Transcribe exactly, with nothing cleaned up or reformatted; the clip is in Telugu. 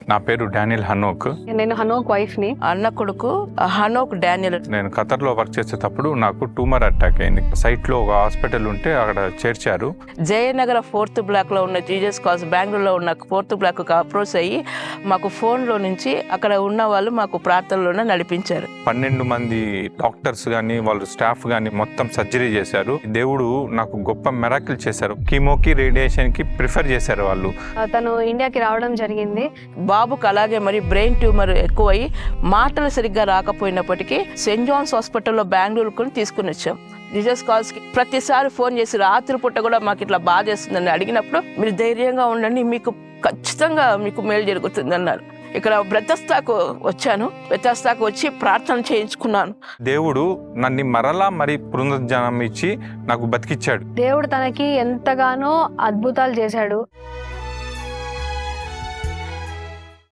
నా పేరు డానియల్ హనోక్. నేను హనోక్ వైఫ్ ని. అన్న కొడుకు హనోక్ డానియల్. నేను ఖతర్లో వర్క్ చేసేటప్పుడు నాకు ట్యూమర్ అటాక్ అయింది. సైట్లో ఒక హాస్పిటల్ ఉంటే అక్కడ చేర్చారు. జయనగర ఫోర్త్ బ్లాక్ లో ఉన్న జీజస్ కాల్స్ బెంగళూరులో ఉన్న ఫోర్త్ బ్లాక్ అప్రోచ్ అయ్యి మాకు ఫోన్ లో నుంచి అక్కడ ఉన్న వాళ్ళు మాకు ప్రార్థనలోనే నడిపించారు. పన్నెండు మంది డాక్టర్స్ గాని వాళ్ళు స్టాఫ్ గాని మొత్తం సర్జరీ చేశారు. దేవుడు నాకు గొప్ప మెరాకిల్ చేశారు. కీమోకి రేడియేషన్ కి ప్రిఫర్ చేశారు వాళ్ళు. తను ఇండియాకి రావడం జరిగింది. బాబుకు అలాగే మరి బ్రెయిన్ ట్యూమర్ ఎక్కువై మాటలు సరిగ్గా రాకపోయినప్పటికీ సెయింట్ జాన్స్ హాస్పిటల్లో బెంగళూరుకు తీసుకుని వచ్చాం. జీసస్ కాల్స్ కి ప్రతిసారి ఫోన్ చేసి రాత్రి పూట కూడా మాకు ఇట్లా బాధ చేస్తుందని అడిగినప్పుడు మీరు ధైర్యంగా ఉండండి, మీకు ఖచ్చితంగా మీకు మేలు జరుగుతుంది అన్నారు. ఇక్కడ బ్రతస్తాకు వచ్చాను. బ్రతస్తాకు వచ్చి ప్రార్థన చేయించుకున్నాను. దేవుడు నన్ను మరలా మరి పునరుజ్జీవం ఇచ్చి నాకు బతికిచ్చాడు. దేవుడు తనకి ఎంతగానో అద్భుతాలు చేశాడు.